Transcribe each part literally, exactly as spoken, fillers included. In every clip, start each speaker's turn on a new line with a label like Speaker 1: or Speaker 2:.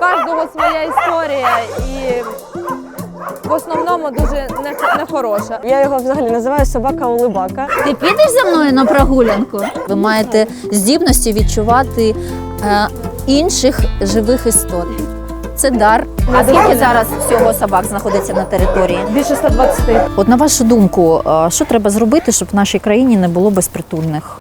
Speaker 1: кожного своя історія і в основному дуже нехороша.
Speaker 2: Я його взагалі називаю собака-улибака.
Speaker 3: Ти підеш за мною на прогулянку? Ви маєте здібності відчувати е, інших живих істот. Це дар. А скільки зараз всього собак знаходиться на території?
Speaker 1: Більше ста двадцяти.
Speaker 3: От на вашу думку, е, що треба зробити, щоб в нашій країні не було безпритульних?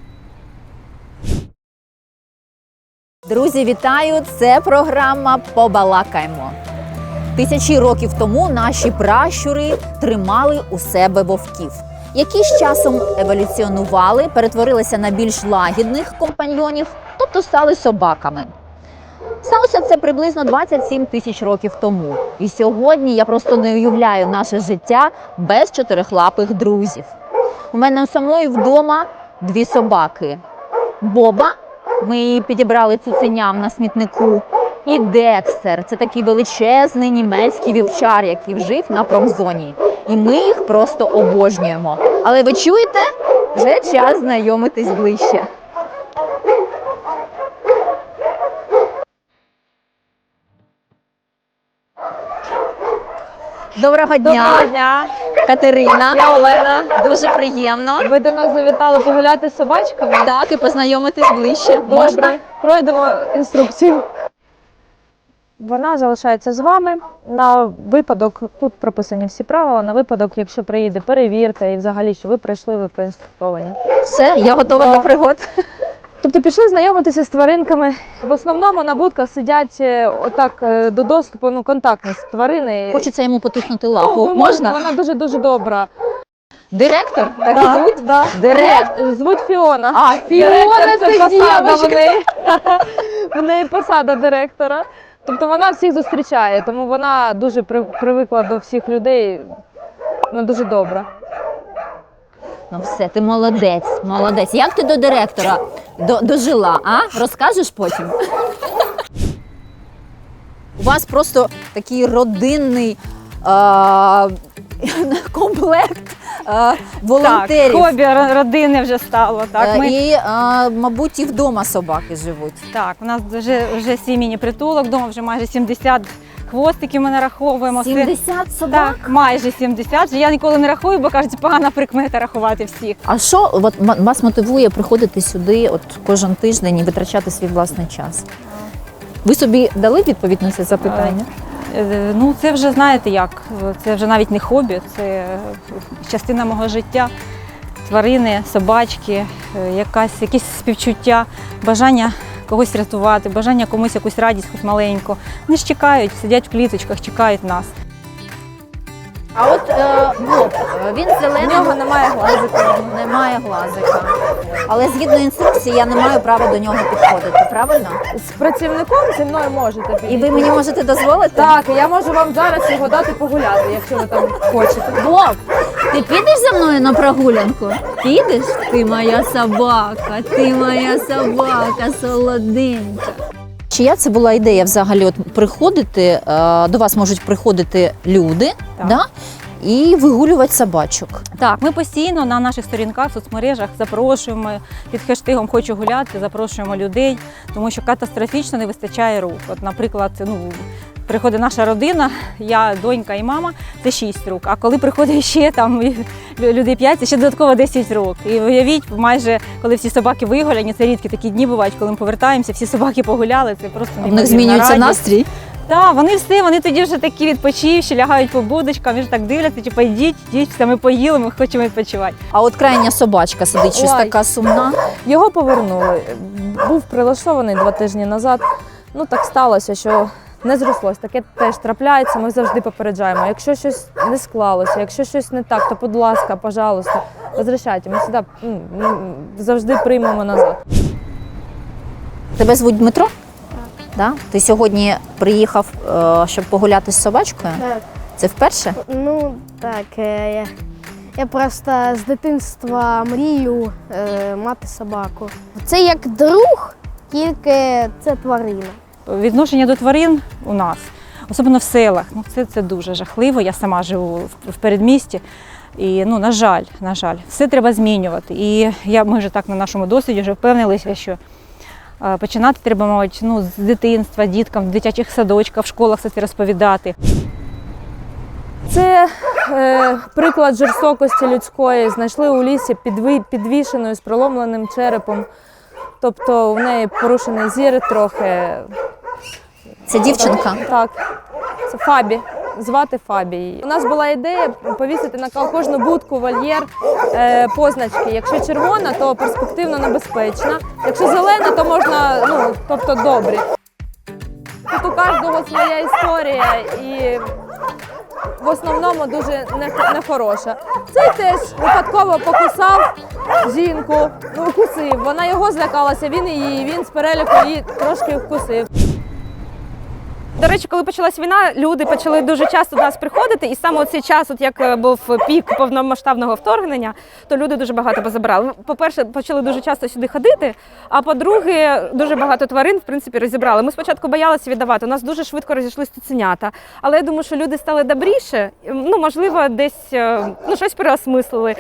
Speaker 3: Друзі, вітаю! Це програма «Побалакаймо». Тисячі років тому наші пращури тримали у себе вовків, які з часом еволюціонували, перетворилися на більш лагідних компаньйонів, тобто стали собаками. Сталося це приблизно двадцять сім тисяч років тому. І сьогодні я просто не уявляю наше життя без чотирихлапих друзів. У мене самої вдома дві собаки. Боба, ми її підібрали цуценям на смітнику, і Декстер – це такий величезний німецький вівчар, який жив на промзоні. І ми їх просто обожнюємо. Але ви чуєте? Вже час знайомитись ближче. Доброго дня!
Speaker 1: Доброго дня!
Speaker 3: Катерина.
Speaker 1: Я Олена.
Speaker 3: Дуже приємно.
Speaker 1: Ви до нас завітали погуляти з собачками?
Speaker 3: Так, і познайомитись ближче. Можна?
Speaker 1: Добре. Пройдемо інструкцію. Вона залишається з вами на випадок, тут прописані всі правила, на випадок, якщо приїде перевірте і взагалі, що ви прийшли, ви проінструктовані.
Speaker 3: Все, я готова до пригод.
Speaker 1: Тобто пішли знайомитися з тваринками. В основному на будках сидять е, отак е, до доступу, ну, контактні тварини.
Speaker 3: Хочеться йому потиснути лапу.
Speaker 1: Ну,
Speaker 3: Можна?
Speaker 1: Вона дуже-дуже добра.
Speaker 3: Директор? Так
Speaker 1: Да,
Speaker 3: звуть?
Speaker 1: да.
Speaker 3: Директор.
Speaker 1: Звуть Фіона.
Speaker 3: А,
Speaker 1: Фіона це посада
Speaker 3: дівчинка.
Speaker 1: в неї. В неї посада директора. Тобто вона всіх зустрічає, тому вона дуже при- привикла до всіх людей. Вона дуже добра.
Speaker 3: Ну все, ти молодець, молодець. Як ти до директора до, дожила, а? Розкажеш потім? У вас просто такий родинний а, комплект а, волонтерів.
Speaker 2: Так, хобі родини вже стало. Так,
Speaker 3: Е,
Speaker 2: ми,
Speaker 3: І, а, мабуть, і вдома собаки живуть.
Speaker 2: так, у нас вже, вже свій міні-притулок, вдома вже майже сімдесят хвостиків ми нараховуємо. Це-
Speaker 3: сімдесят собак?
Speaker 2: Так, майже сімдесят. Я ніколи не рахую, бо кажуть, погана прикмета рахувати всіх.
Speaker 3: А що от, м- вас мотивує приходити сюди от, кожен тиждень і витрачати свій власний час? Ви собі дали відповідь на це запитання?
Speaker 2: Е, Ну, це вже, знаєте як, це вже навіть не хобі, це частина мого життя. Тварини, собачки, е, якась, якісь співчуття, бажання когось рятувати, бажання комусь якусь радість, хоч маленьку. Вони ж чекають, сидять в кліточках, чекають нас.
Speaker 3: А от е, Боб, він
Speaker 1: В
Speaker 3: зелений,
Speaker 1: нього немає глазика.
Speaker 3: немає глазика. Але згідно інструкції я не маю права до нього підходити, правильно?
Speaker 1: З працівником зі мною можете підійти.
Speaker 3: І ви мені можете дозволити?
Speaker 1: Так, я можу вам зараз його дати погуляти, якщо ви там хочете.
Speaker 3: Боб, ти підеш за мною на прогулянку? Підеш? Ти моя собака, ти моя собака, солоденька. Чия це була ідея взагалі от приходити, е, до вас можуть приходити люди,
Speaker 2: Так.
Speaker 3: да? І вигулювати собачок.
Speaker 2: Так, ми постійно на наших сторінках в соцмережах запрошуємо під хештегом «Хочу гуляти», запрошуємо людей, тому що катастрофічно не вистачає рук. От, наприклад, ну, приходить наша родина, я, донька і мама, це шість рук. А коли приходить ще там людей п'ять, це ще додатково десять рук. І уявіть, майже коли всі собаки вигуляні, це рідкі такі дні бувають, коли ми повертаємося, всі собаки погуляли, це просто
Speaker 3: У них
Speaker 2: неймовірна
Speaker 3: змінюється
Speaker 2: радість.
Speaker 3: настрій.
Speaker 2: Так, вони все, вони тоді вже такі відпочивші, лягають по будочкам, вже так дивляться, типу, йдіть, йдіть, все, ми поїли, ми хочемо відпочивати.
Speaker 3: А от крайня собачка сидить, щось
Speaker 1: Ой.
Speaker 3: така сумна.
Speaker 1: Його повернули. Був прилаштований два тижні назад. Ну так сталося, що не зрослось. Таке теж трапляється, ми завжди попереджаємо. Якщо щось не склалося, якщо щось не так, то, будь ласка, пожалуйста, возвращайте. Ми сюди м, м, завжди приймемо назад.
Speaker 3: Тебе звуть Дмитро? Так. Да? Ти сьогодні приїхав, е, щоб погуляти з собачкою?
Speaker 4: Так.
Speaker 3: Це вперше?
Speaker 4: Ну так, е, я, я просто з дитинства мрію е, мати собаку. Це як друг, тільки це тварина.
Speaker 2: Відношення до тварин у нас, особливо в селах, ну це, це дуже жахливо. Я сама живу в, в передмісті. І, ну, на жаль, на жаль, все треба змінювати. І я, ми вже так на нашому досвіді вже впевнилися, що Е, Починати треба, мабуть, ну, з дитинства, діткам, в дитячих садочках, в школах все це розповідати.
Speaker 1: Це е, приклад жорстокості людської. Знайшли у лісі підві, підвішеною з проломленим черепом. Тобто в неї порушений зір трохи.
Speaker 3: Це дівчинка.
Speaker 1: Так, це Фабі. Звати Фабі. У нас була ідея повісити на кожну будку, вольєр е, позначки. Якщо червона, то перспективно небезпечна. Якщо зелена, то можна, ну, тобто добрі. Тут у кожного своя історія і в основному дуже нехороша. Цей теж випадково покусав жінку, ну, укусив. Вона його злякалася, він її, він з переліку її трошки вкусив.
Speaker 5: До речі, коли почалась війна, люди почали дуже часто до нас приходити, і саме цей час, от як був пік повномасштабного вторгнення, то люди дуже багато позабирали. По-перше, почали дуже часто сюди ходити, а по-друге, дуже багато тварин, в принципі, розібрали. Ми спочатку боялися віддавати, у нас дуже швидко розійшлися цуценята, але я думаю, що люди стали добріше, ну, можливо, десь, ну, щось переосмислили.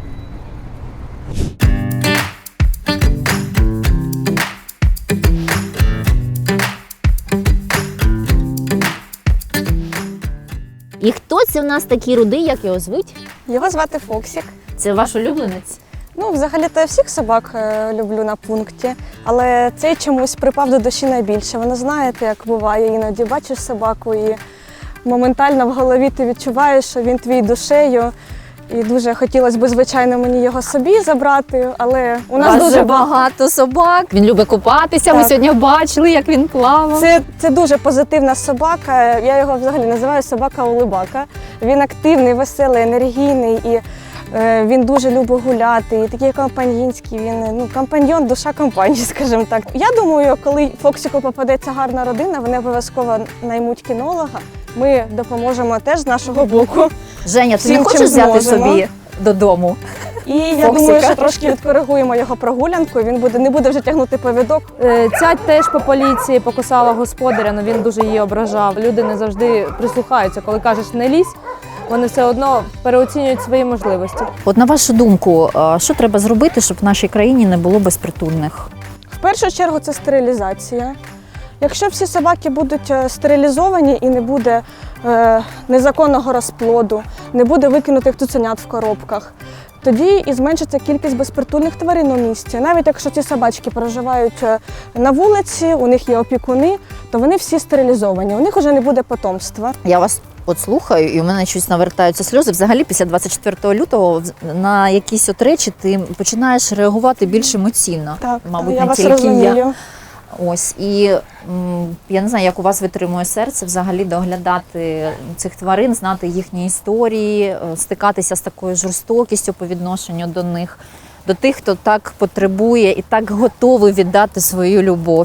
Speaker 3: І хто це в нас такий рудий, як його звуть?
Speaker 6: Його звати Фоксік.
Speaker 3: Це ваш улюбленець?
Speaker 6: Ну, взагалі-то я всіх собак е, люблю на пункті, але цей чомусь припав до душі найбільше. Воно, знаєте, як буває, іноді бачиш собаку і моментально в голові ти відчуваєш, що він твій душею. І дуже хотілося б, звичайно, мені його собі забрати, але у нас
Speaker 3: Вас
Speaker 6: дуже
Speaker 3: же багато собак. Він любить купатися, ми
Speaker 6: Так.
Speaker 3: сьогодні бачили, як він плавав.
Speaker 6: Це, це дуже позитивна собака. Я його взагалі називаю собака-улибака. Він активний, веселий, енергійний і е, він дуже любить гуляти. І такий компаньйонський, він ну, компаньйон, душа компанії, скажімо так. Я думаю, коли Фоксику попадеться гарна родина, вони обов'язково наймуть кінолога. Ми допоможемо теж з нашого боку.
Speaker 3: Женя, ти
Speaker 6: всім,
Speaker 3: не
Speaker 6: чим
Speaker 3: хочеш взяти
Speaker 6: зможемо.
Speaker 3: собі додому?
Speaker 6: І я
Speaker 3: Фоксика.
Speaker 6: думаю, що трошки відкоригуємо його прогулянку. Він буде не буде вже тягнути повідок.
Speaker 1: Е, Ця теж по поліції покусала господаря, але він дуже її ображав. Люди не завжди прислухаються, коли кажеш не лізь, вони все одно переоцінюють свої можливості.
Speaker 3: От на вашу думку, а, що треба зробити, щоб в нашій країні не було безпритульних?
Speaker 6: В першу чергу це стерилізація. Якщо всі собаки будуть е, стерилізовані і не буде е, незаконного розплоду, не буде викинутих цуценят в коробках, тоді і зменшиться кількість безпритульних тварин у місті. Навіть якщо ці собачки проживають е, на вулиці, у них є опікуни, то вони всі стерилізовані, у них вже не буде потомства.
Speaker 3: Я вас от слухаю, і у мене щось навертаються сльози. Взагалі, після двадцять четвертого лютого на якісь от речі ти починаєш реагувати більш емоційно.
Speaker 6: Так,
Speaker 3: Мабуть,
Speaker 6: я
Speaker 3: не
Speaker 6: вас
Speaker 3: тільки
Speaker 6: розумію.
Speaker 3: я. Ось, і м, я не знаю, як у вас витримує серце взагалі доглядати цих тварин, знати їхні історії, е, стикатися з такою жорстокістю по відношенню до них, до тих, хто так потребує і так готовий віддати свою любов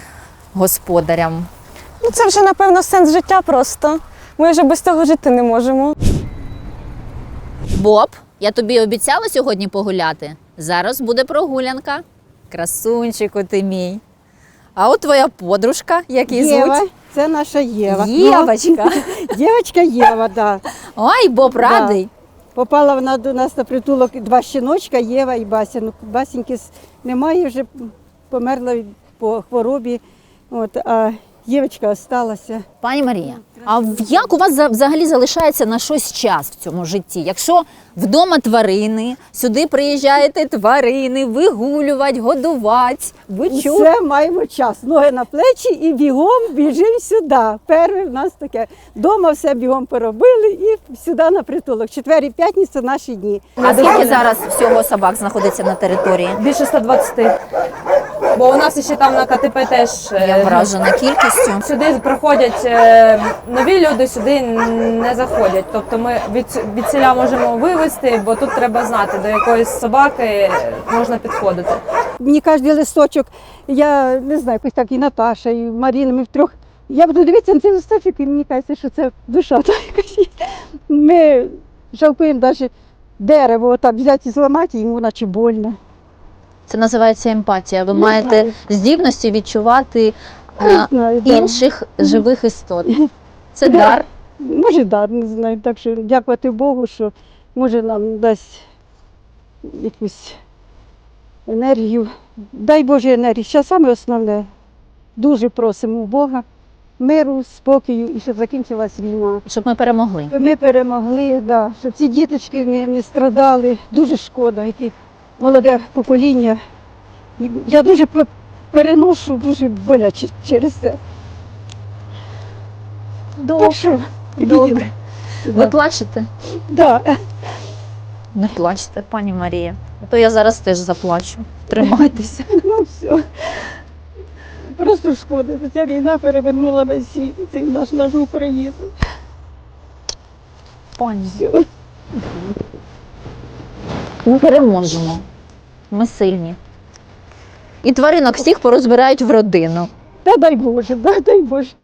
Speaker 3: господарям.
Speaker 6: Ну, це вже, напевно, сенс життя просто. Ми вже без цього жити не можемо.
Speaker 3: Боб, я тобі обіцяла сьогодні погуляти. Зараз буде прогулянка. Красунчику ти мій. А от твоя подружка, як її
Speaker 7: Єва,
Speaker 3: звуть?
Speaker 7: це наша Єва.
Speaker 3: Євочка.
Speaker 7: Ну, Дівчинка Єва, да.
Speaker 3: Ой, Боб радий.
Speaker 7: Попала вона до нас на притулок два щіночка, Єва і Бася. Ну, Басіньки с- немає, вже померла від- по хворобі. От, а Євочка осталася.
Speaker 3: Пані Марія, а в- як у вас за- взагалі залишається на щось час в цьому житті? Якщо вдома тварини, сюди приїжджаєте тварини, вигулювати, годувати, ви чули?
Speaker 7: Все маємо час. Ноги на плечі і бігом біжимо сюди. Перше в нас таке. Дома все бігом поробили і сюди на притулок. Четвер і п'ятниця наші дні.
Speaker 3: А скільки зараз всього собак знаходиться на території?
Speaker 1: Більше ста двадцяти. Бо у нас ще там на ка те пе теж е,
Speaker 3: Я вражена кількістю.
Speaker 1: сюди приходять е, нові люди, сюди не заходять. Тобто ми від, від селя можемо вивезти, бо тут треба знати, до якоїсь собаки можна підходити.
Speaker 7: Мені кожен листочок, я не знаю, якось так і Наташа, і Маріна, ми втрьох. Я буду дивитися на цей листочок, і мені кажеться, що це душа. та якась є. Ми жалкуємо навіть дерево, отак взяти і зламати, йому наче больно.
Speaker 3: Це називається емпатія. Ви маєте здібності відчувати е,
Speaker 7: знаю, да.
Speaker 3: інших живих істот. Це
Speaker 7: Да.
Speaker 3: дар.
Speaker 7: Може, дар, не знаю. Так що дякувати Богу, що може нам дасть якусь енергію. Дай Боже енергію. Ще саме основне. Дуже просимо у Бога миру, спокою і щоб закінчилась війна.
Speaker 3: Щоб ми перемогли.
Speaker 7: Щоб ми перемогли, да, щоб ці діточки не, не страдали. Дуже шкода, які молоде покоління. І я дуже пе- переношу, дуже боляче через це. Так що,
Speaker 3: Добре. Ви
Speaker 7: Да.
Speaker 3: плачете?
Speaker 7: Да.
Speaker 3: Не плачте, пані Марія. А то я зараз теж заплачу. Тримайтеся.
Speaker 7: Ну все. Просто шкода. Ця війна перевернула весь світ, це наш нашу Україну.
Speaker 3: Пані. Ми переможемо. Ми сильні. І тваринок всіх порозбирають в родину.
Speaker 7: Та дай Боже, да, дай Боже.